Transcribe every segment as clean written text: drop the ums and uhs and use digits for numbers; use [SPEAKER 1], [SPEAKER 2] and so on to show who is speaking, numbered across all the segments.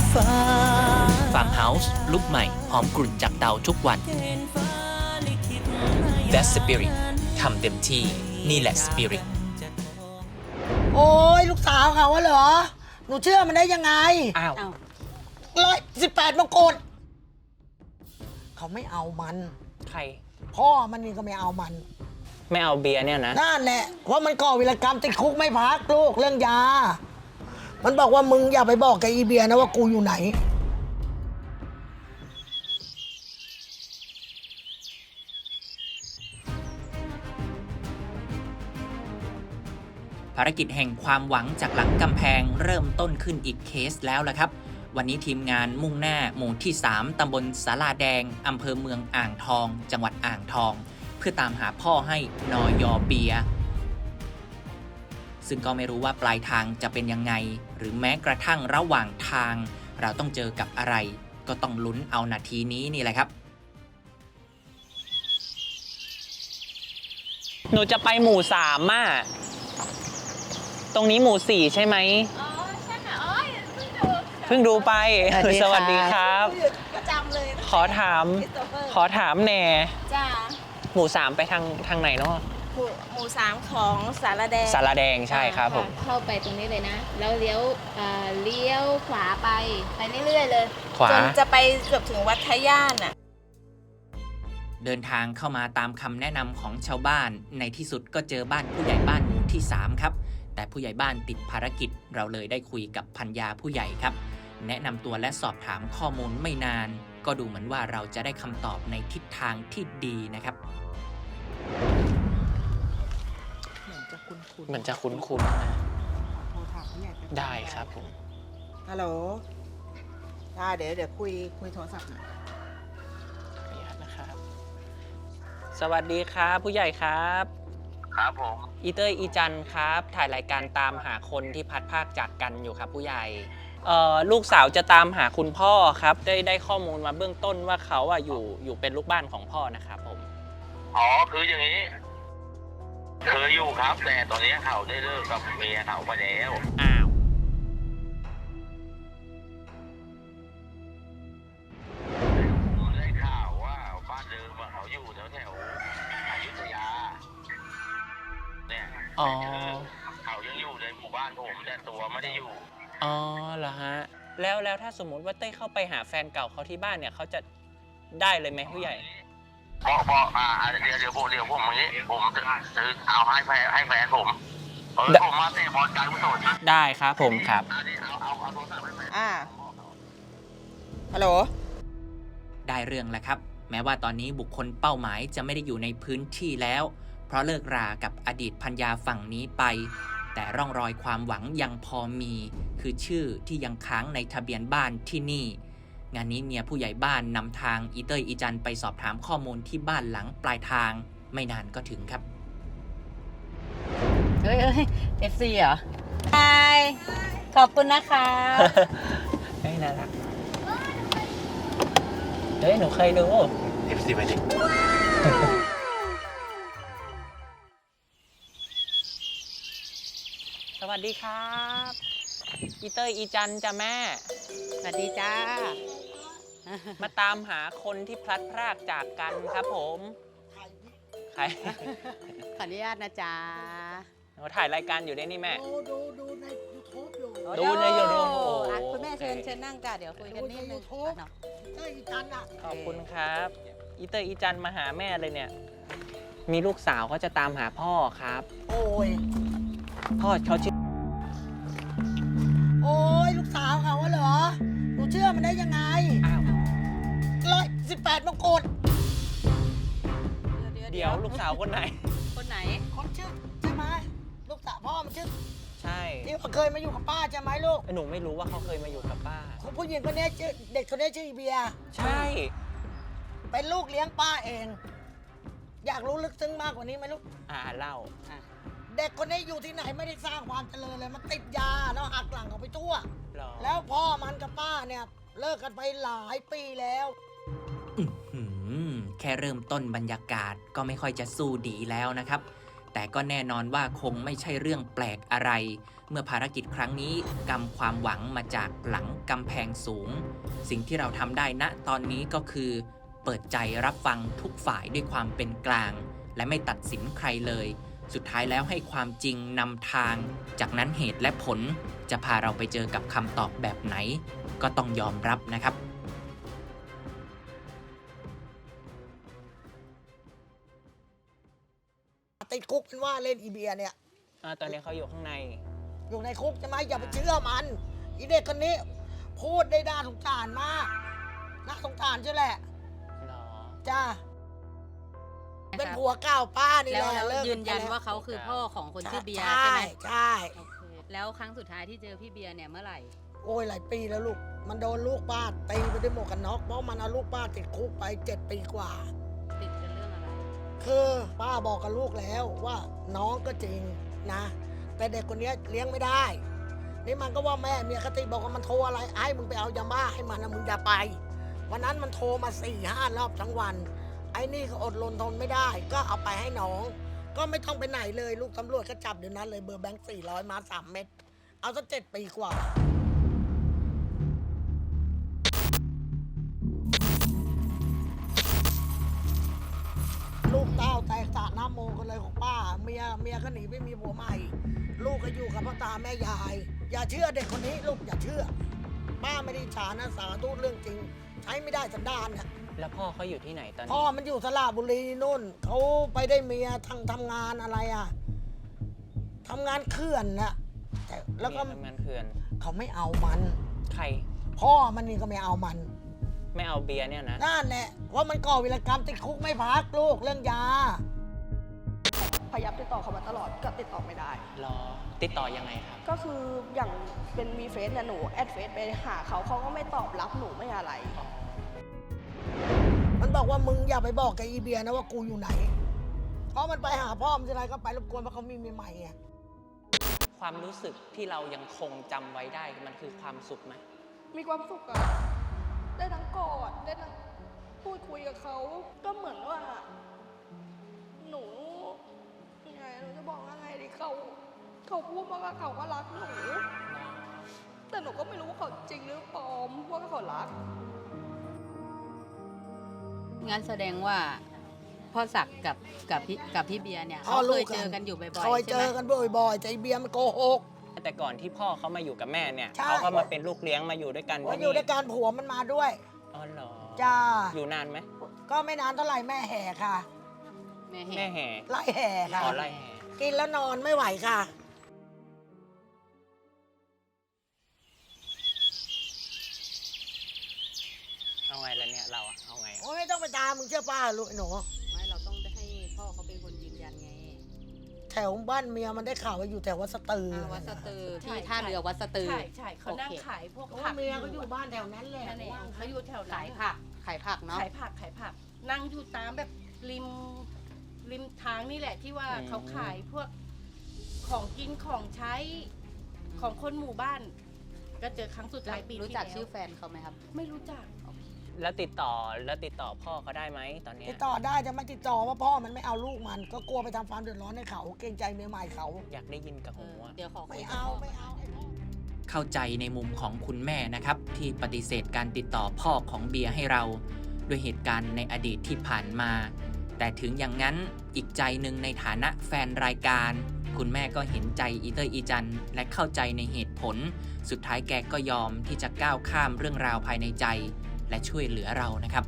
[SPEAKER 1] ฟาร์มเฮาส์ลุกใหม่หอมกลุ่นจากเตาทุกวัน Best Spirit ทำเต็มที่นี่แหละ Spirit
[SPEAKER 2] โอ้ยลูกสาวเขาอะเหรอ หนูเชื่อมันได้ยังไง
[SPEAKER 1] อ้าว
[SPEAKER 2] 118มงกุฎเขาไม่เอามัน
[SPEAKER 3] ใคร
[SPEAKER 2] พ่อมันนี่ก็ไม่เอามัน
[SPEAKER 3] ไม่เอาเบียร์เนี่ยนะ
[SPEAKER 2] นั่นแหละเพราะมันก่อวีรกรรมติดคุกไม่พักลูกเรื่องยา มันบอกว่ามึงอย่าไปบอกกับอีเบียนะว่ากูอยู่ไหน
[SPEAKER 1] ภารกิจแห่งความหวังจากหลังกำแพงเริ่มต้นขึ้นอีกเคสแล้วล่ะครับ วันนี้ทีมงานมุ่งหน้าหมู่ที่ 3 ตำบลสาลาแดง อำเภอเมืองอ่างทอง จังหวัดอ่างทอง เพื่อตามหาพ่อให้นอยอเบียร์ซึ่งก็ไม่รู้ว่าปลายทางจะเป็นยังไง หรือแม้กระทั่งระหว่างทาง เราต้องเจอกับอะไร ก็ต้องลุ้นเอานาทีนี้นี่แหละครับ
[SPEAKER 3] หนูจะไปหมู่3อ่ะตรงนี้หมู่4ใช่ไหม
[SPEAKER 4] อ๋อใช่ค่ะอ๋อเพิ่งดู
[SPEAKER 3] เพิ่งดูไป
[SPEAKER 2] สวัสดีค่ะ
[SPEAKER 3] สวัสดีครับ
[SPEAKER 4] ประจำเลยนะ
[SPEAKER 3] ขอถาม ขอถามแหน่
[SPEAKER 4] จ้า
[SPEAKER 3] หมู่3ไปทางไหนเนาะ
[SPEAKER 4] หมู่สามของสารแดง
[SPEAKER 3] สารแดงใช่ครับผม
[SPEAKER 4] ะเข้าไปตรงนี้เลยนะ แล้วเลี้ยวขวาไปเรื่อยๆเลย
[SPEAKER 3] ขวา
[SPEAKER 4] จนจะไปเกือบถึงวัดทะย่านอ่ะ
[SPEAKER 1] เดินทางเข้ามาตามคำแนะนำของชาวบ้าน ในที่สุดก็เจอบ้านผู้ใหญ่บ้านหมู่ที่ 3 ครับ แต่ผู้ใหญ่บ้านติดภารกิจเราเลยได้คุยกับพัญญาผู้ใหญ่ครับ แนะนำตัวและสอบถามข้อมูลไม่นาน ก็ดูเหมือนว่าเราจะได้คำตอบในทิศทางที่ดีนะครับ
[SPEAKER 3] เหมือนจะคุ้นๆได้ครับผม
[SPEAKER 2] ฮัลโหลได้เดี๋ยวคุยโทรศัพท์หน่อย
[SPEAKER 3] ขออนุญาตนะครับ สวัสดีครับผู้ใหญ่ครับ
[SPEAKER 5] ครับผม
[SPEAKER 3] อีเตอร์อีจันครับ ถ่ายรายการตามหาคนที่พัดภาคจากกันอยู่ครับผู้ใหญ่ลูกสาวจะตามหาคุณพ่อครับได้ข้อมูลมาเบื้องต้นว่าเขาอยู่เป็นลูกบ้านของพ่อนะครับผม
[SPEAKER 5] อ๋อ คืออย่างนี้ เคยอยู่ครับ แต่ตอนนี้เขาได้เลิกกับเมียเขาไปแล้ว
[SPEAKER 3] อ้าว
[SPEAKER 5] ผมได้ข่าวว่าบ้านเดิมอะเขาอยู่แถวอยุธยา เนี่ย
[SPEAKER 3] อ๋อ
[SPEAKER 5] เขายังอยู่ในหมู่บ้านผมแต่ตัวไม่ได้อยู่
[SPEAKER 3] อ๋อเหรอฮะแล้วถ้าสมมุติว่าเต้ยเข้าไปหาแฟนเก่าเขาที่บ้านเนี่ยเขาจะได้เลยไหมผู้ใหญ่
[SPEAKER 5] เพราะเดี๋ยวผมอย่างนี้ ผมจะซื้อเอาให้แฟนผมผมมาเตะบอลการกุศล
[SPEAKER 3] ได้ครับผมครับ
[SPEAKER 5] อันนี้เอาโทรศัพท์ให้แฟน
[SPEAKER 2] ฮัลโหล
[SPEAKER 1] ได้เรื่องแล้วครับ แม้ว่าตอนนี้บุคคลเป้าหมายจะไม่ได้อยู่ในพื้นที่แล้ว เพราะเลิกรากับอดีตภรรยาฝั่งนี้ไป แต่ร่องรอยความหวังยังพอมี คือชื่อที่ยังค้างในทะเบียนบ้านที่นี่ งานนี้เมียผู้ใหญ่บ้านนำทางอีเตอร์อีจันไปสอบถามข้อมูลที่บ้านหลังปลายทาง ไม่นานก็ถึงครับ
[SPEAKER 6] เอ้ยFC เหรอใช่ขอบคุณนะคะ
[SPEAKER 3] เฮ้ยน่ารักเฮ้ยหนูเคยดู
[SPEAKER 5] FC ไปดิ
[SPEAKER 3] สวัสดีครับอีเตอร์อีจันจ้ะแม่
[SPEAKER 6] สวัสดีจ้า
[SPEAKER 3] มาตามหาคนที่พลัดพรากจากกันครับผมใคร
[SPEAKER 6] ขออนุญาตนะจ๊ะ
[SPEAKER 3] หนูถ่ายรายการอยู่ด้วยนี่แม่
[SPEAKER 2] ดูใน YouTube อยู่
[SPEAKER 3] ดูใน YouTube
[SPEAKER 6] อ่ะคุณแม่เชิญนั่งจ้ะเดี๋ยวคุยกันนิดนึง
[SPEAKER 2] ดูใน YouTube
[SPEAKER 6] อ่ะเนาะ
[SPEAKER 2] เจ้าอีจันอ่ะ
[SPEAKER 3] ขอบคุณครับอีเตอร์อีจันมาหาแม่เลยเนี่ย มีลูกสาวเขาจะตามหาพ่อครับ
[SPEAKER 2] โอ้ย
[SPEAKER 3] พ่อเขาชื่อ
[SPEAKER 2] โอ้ยลูกสาวเขาอะเหรอ หนูเชื่อมันได้ยังไง
[SPEAKER 3] อ้าว
[SPEAKER 2] 118มงกุฎ
[SPEAKER 3] เดี๋ยวลูกสาวคนไหน
[SPEAKER 6] คนไหน
[SPEAKER 2] คนชื่อใช่ไหมลูกสาวพ่อมันชื่อ
[SPEAKER 3] ใช่
[SPEAKER 2] ที่เคยมาอยู่กับป้าใช่ไหมลูก
[SPEAKER 3] หนูไม่รู้ว่าเขาเคยมาอยู่กับป้า
[SPEAKER 2] คุณผู้หญิงคนนี้ชื่อเด็กคนนี้ชื่ออีเบียร์
[SPEAKER 3] ใช่
[SPEAKER 2] เป็นลูกเลี้ยงป้าเอง อยากรู้ลึกซึ้งมากกว่านี้ไหมลูก
[SPEAKER 3] เล่า
[SPEAKER 2] เด็กคนนี้อยู่ที่ไหนไม่ได้สร้างความเจริญเลย มันติดยาแล้วหักหลังเขาไปทั่ว
[SPEAKER 3] หรอ
[SPEAKER 2] แล้วพ่อมันกับป้าเนี่ยเลิกกันไปหลายปีแล้ว
[SPEAKER 1] แค่เริ่มต้นบรรยากาศก็ไม่ค่อยจะสู้ดีแล้วนะครับแต่ก็แน่นอนว่าคงไม่ใช่เรื่องแปลกอะไร เมื่อภารกิจครั้งนี้กำความหวังมาจากหลังกำแพงสูง สิ่งที่เราทำได้ณตอนนี้ก็คือ เปิดใจรับฟังทุกฝ่ายด้วยความเป็นกลาง และไม่ตัดสินใครเลย สุดท้ายแล้วให้ความจริงนำทาง จากนั้นเหตุและผลจะพาเราไปเจอกับคำตอบแบบไหน ก็ต้องยอมรับนะครับ
[SPEAKER 2] ติดคุกเป็นว่าเล่นอีเบียเนี่ย
[SPEAKER 3] ตอนนี้เขาอยู่ข้างใน
[SPEAKER 2] อยู่ในคุกใช่ไหมอย่าไปเชื่อมันอีเด็กคนนี้ พูดได้น่าสงสารมากน่าสงสารใช่แหละ
[SPEAKER 3] หรอ
[SPEAKER 2] จ้าเป็นผัวเก่าป้านี่แห
[SPEAKER 6] แล้ว
[SPEAKER 2] ละเลิก
[SPEAKER 6] ยืนยัน
[SPEAKER 2] กั
[SPEAKER 6] ว่าเขาคือพ่อของคนชื่อเบียร์
[SPEAKER 2] ใช่
[SPEAKER 6] ใช่ไหม
[SPEAKER 2] ใช่
[SPEAKER 6] โอเคแล้วครั้งสุดท้ายที่เจอพี่เบียร์เนี่ยเมื่อไหร่
[SPEAKER 2] โอ้ยหลายปีแล้วลูกมันโดนลูกป้าตีไปด้วยหมวกกันน็อกเพราะมันเอาลูกป้าติดคุกไป7 ปีกว่า
[SPEAKER 6] ติดกันเรื่องอะไร
[SPEAKER 2] คือป้าบอกกับลูกแล้วว่าน้องก็จริงนะ แต่เด็กคนนี้เลี้ยงไม่ได้ นี่มันก็ว่าแม่เมียคติบอกว่ามันโทรอะไรให้มึงไปเอายาบ้าให้มันนะมึงอย่าไป วันนั้นมันโทรมา4-5 รอบทั้งวัน ไอ้นี่ก็อดรนทนไม่ได้ ก็เอาไปให้น้อง ก็ไม่ต้องไปไหนเลยลูกตำรวจก็จับเดี๋ยวนั้นเลยเบอร์แบงค์400มา3 เม็ดเอาสัก7 ปีกว่า ลูกเต้าแตกสระน้ำโมกันเลยของป้าเมียก็หนีไม่มีผัวใหม่ ลูกก็อยู่กับพ่อตาแม่ยาย อย่าเชื่อเด็กคนนี้ลูกอย่าเชื่อ ป้าไม่ได้ฉานะสาธุเรื่องจริง ใช้ไม่ได้สันดานน่ะ
[SPEAKER 3] แล้วพ่อเขาอยู่ที่ไหนตอน
[SPEAKER 2] พ่อ
[SPEAKER 3] นี้
[SPEAKER 2] มันอยู่สระบุรีนู่นเขาไปได้เมียทำงานอะไรอ่ะทำงานเขื่อนน่ะแต่แล้วก็
[SPEAKER 3] เมียทำงานเขื่อน
[SPEAKER 2] เขาไม่เอามัน
[SPEAKER 3] ใคร
[SPEAKER 2] พ่อมันนี่ก็ไม่เอามัน
[SPEAKER 3] ไม่เอาเบียร์เนี่ยนะ
[SPEAKER 2] นั่นแหละว่ามันก่อวีรกรรมติดคุกไม่พักลูกเรื่องยา
[SPEAKER 7] พยายามติดต่อเขามาตลอดก็ติดต่อไม่ได้
[SPEAKER 3] รอ ติดต่อยังไงครับ
[SPEAKER 7] ก็คืออย่างเป็นมีเฟซเนี่ยหนูแอดเฟซไปหาเขาเขาก็ไม่ตอบรับหนูไม่อะไร
[SPEAKER 2] มันบอกว่ามึงอย่าไปบอกกับอีเบียนะว่ากูอยู่ไหน เพราะมันไปหาพ่อมันทีไรก็ไปรบกวนเพราะเขามีเมียใหม่ไง
[SPEAKER 3] ความรู้สึกที่เรายังคงจำไว้ได้มันคือความสุขไหม
[SPEAKER 7] มีความสุขอะได้ทั้งกอดได้ทั้งพูดคุยกับเขา ก็เหมือนว่า หนูยังไงหนูจะบอกว่าไงดีเขาพูดมาว่าเขาก็รักหนู แต่หนูก็ไม่รู้ว่าเขาจริงหรือปลอมว่าเขารัก
[SPEAKER 6] งั้นแสดงว่าพ่อศักดิ์กับพี่เบียร์เนี่ย
[SPEAKER 2] พ่
[SPEAKER 6] เขา
[SPEAKER 2] อลู
[SPEAKER 6] เค
[SPEAKER 2] ก
[SPEAKER 6] ย
[SPEAKER 2] กัน
[SPEAKER 6] เจอกันอยู่บ่อย
[SPEAKER 2] คอย
[SPEAKER 6] ๆ
[SPEAKER 2] เจ
[SPEAKER 6] ใช่ไหม
[SPEAKER 2] อกันบ่อยๆแต่อีเบียมันโกหก
[SPEAKER 3] แต่ก่อนที่พ่อเขามาอยู่กับแม่เนี่ย
[SPEAKER 2] ใช่
[SPEAKER 3] เขาก็มาเป็นลูกเลี้ยงมาอยู่ด้วยกัน
[SPEAKER 2] ว่า
[SPEAKER 3] ที่
[SPEAKER 2] อยู่
[SPEAKER 3] นี่
[SPEAKER 2] ด้วยการผัวมันมาด้วย
[SPEAKER 3] อ๋อเหรอ
[SPEAKER 2] จ้า
[SPEAKER 3] อยู่นานไหม
[SPEAKER 2] ก็ไม่นานเท่าไหร่แม่แห่ค่ะ
[SPEAKER 6] แม่
[SPEAKER 3] แม่
[SPEAKER 6] แห่
[SPEAKER 3] แห่
[SPEAKER 2] ไล่แห่ค่ะ
[SPEAKER 3] อ๋อไล่แห่
[SPEAKER 2] กินแล้วนอนไม่ไหวค่ะ
[SPEAKER 3] เอาไงล่ะเนี่ยเราอะเอาไงอะ
[SPEAKER 2] โอ้ยไม่ต้องไปตามมึงเชื่อป้าลูกไอ้หนู
[SPEAKER 6] ไม่เราต้องให้พ่อเขาเป็นคนยืนยันไง
[SPEAKER 2] แถวบ้านเมียมันได้ข่าวว่าอยู่แถววัดสตือ
[SPEAKER 6] วัดสตือ
[SPEAKER 7] ใช่
[SPEAKER 6] ที่ท่าเรือวัดสตือ
[SPEAKER 7] ใช่เขานั่ง
[SPEAKER 6] โอเค
[SPEAKER 7] ขายพวก
[SPEAKER 2] เพราะ
[SPEAKER 7] ผั
[SPEAKER 2] ว่าก เมียเขาอยู่บ้านแถวนั้นแหละ
[SPEAKER 7] นั่นเองเขาอยู่แถวไหน
[SPEAKER 6] ขายผักขายผักเนาะ
[SPEAKER 7] ขายผัก นั่งอยู่ตามแบบริมทางนี่แหละที่ว่าเขาขายพวกของกินของใช้ของคนหมู่บ้าน ก็เจอครั้งสุดท้ายปีที่แล้ว
[SPEAKER 6] รู้จักชื่อแฟนเขาไหมครับ
[SPEAKER 7] ไม่รู้จัก
[SPEAKER 3] แล้วติดต่อพ่อเขาได้ไหมตอนเนี้ย
[SPEAKER 2] ติดต่อได้จะไม่ติดต่อว่าพ่อมันไม่เอาลูกมัน ก็กลัวไปทำความเดือดร้อนให้เขาเกรงใจเมียใหม่เขา
[SPEAKER 3] อยากได้ยินกับหูอะ
[SPEAKER 6] เดี๋ยวขอคุ
[SPEAKER 2] ไม่
[SPEAKER 6] ยกับ
[SPEAKER 2] เอา
[SPEAKER 6] พ่
[SPEAKER 2] ไม่เอาไอ้พ่อ
[SPEAKER 1] เข้าใจในมุมของคุณแม่นะครับ ที่ปฏิเสธการติดต่อพ่อของเบียร์ให้เรา ด้วยเหตุการณ์ในอดีตที่ผ่านมา แต่ถึงอย่างนั้นอีกใจหนึ่งในฐานะแฟนรายการ คุณแม่ก็เห็นใจอีเตอร์อีจันและเข้าใจในเหตุผล สุดท้ายแกก็ยอมที่จะก้าวข้ามเรื่องราวภายในใจ และช่วยเหลือเรานะครับ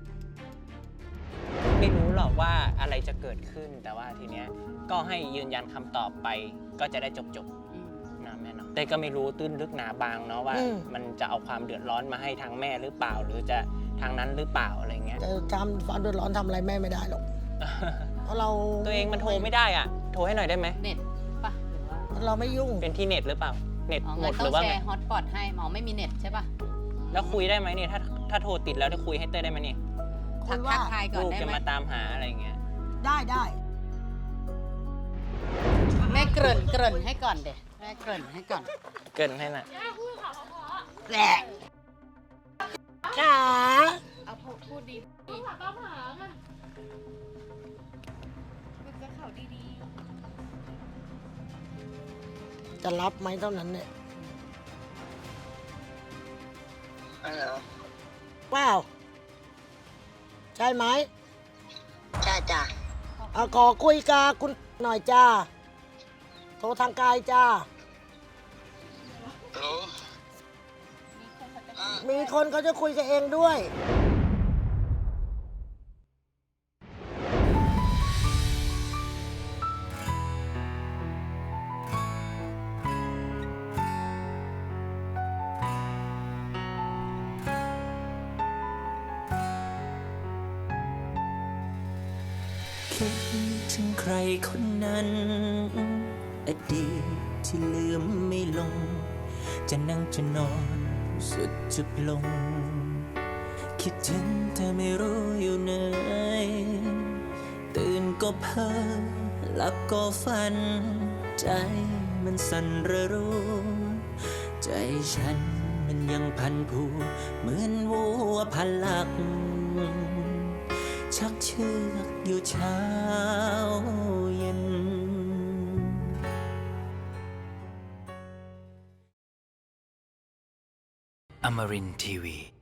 [SPEAKER 3] ไม่รู้หรอกว่าอะไรจะเกิดขึ้น แต่ว่าทีเนี้ยก็ให้ยืนยันคำตอบไป ก็จะได้จบ
[SPEAKER 6] อืม
[SPEAKER 3] ๆนะแม่เนาะแต่ก็ไม่รู้ตื้นลึกหนาบางเนาะว่า มันจะเอาความเดือดร้อนมาให้ทางแม่หรือเปล่า หรือจะทางนั้นหรือเปล่าอะไรเงี้ย
[SPEAKER 2] จะทำความเดือดร้อนทำอะไรแม่ไม่ได้หรอก เพราะเรา
[SPEAKER 3] ตัวเองมันโทรไม่ได้อ่ะ โทรให้หน่อยได้ไหม
[SPEAKER 6] เน็ตปะหรือว่า
[SPEAKER 2] เราไม่ยุ่ง
[SPEAKER 3] เป็นที่เน็ตหรือเปล่า เน็ต
[SPEAKER 6] อ๋อ
[SPEAKER 3] หม
[SPEAKER 6] งั้
[SPEAKER 3] ด
[SPEAKER 6] น
[SPEAKER 3] ห
[SPEAKER 6] ต้อ
[SPEAKER 3] รื
[SPEAKER 6] ง
[SPEAKER 3] อว่า
[SPEAKER 6] แช
[SPEAKER 3] ไง
[SPEAKER 6] ร์ฮอตสปอตให้หมอไม่มีเน็ตใช่ปะ
[SPEAKER 3] แล้วคุยได้ไหมเนี่ยถ้าโทรติดแล้วจะคุยให้เต้ยได้ไหมเนี่ย
[SPEAKER 2] คุ
[SPEAKER 6] ทั
[SPEAKER 2] ย
[SPEAKER 6] ก
[SPEAKER 2] ว่า
[SPEAKER 6] ทายก่อน
[SPEAKER 3] ลูก
[SPEAKER 6] ได้
[SPEAKER 3] จะ
[SPEAKER 6] ไหม
[SPEAKER 3] มาตามหาอะไรเงี้ย
[SPEAKER 2] ได้ได้
[SPEAKER 6] แม่เกริ่นให้ก่อนเด็แม่เกริ่นให้ก่อน
[SPEAKER 3] เกินให้น่ะ
[SPEAKER 2] แหละจ๋า
[SPEAKER 7] เอาพูดดีพูดกับเขาดี
[SPEAKER 2] จะรับไหมเท่านั้นเนี่ย
[SPEAKER 8] ฮัลโหล
[SPEAKER 2] เปล่าใช่ไหม
[SPEAKER 8] จ้าจ้า
[SPEAKER 2] เอาขอคุยกับคุณหน่อยจ้าโทรทางไกลจ้า
[SPEAKER 8] ฮัลโหล
[SPEAKER 2] มีคนเขาจะคุยกับเองด้วย
[SPEAKER 9] คิดถึงใครคนนั้น อดีตที่ลืมไม่ลง จะนั่งจะนอนสุดจุดลง คิดถึงแต่ไม่รู้อยู่ไหน ตื่นก็เพ้อหลับก็ฝัน ใจมันสั่นระรู้ ใจฉันมันยังพันผูเหมือนวัวพันหลัก ชักเชือกอยู่เช้าเย็นอมรินทร์ทีวี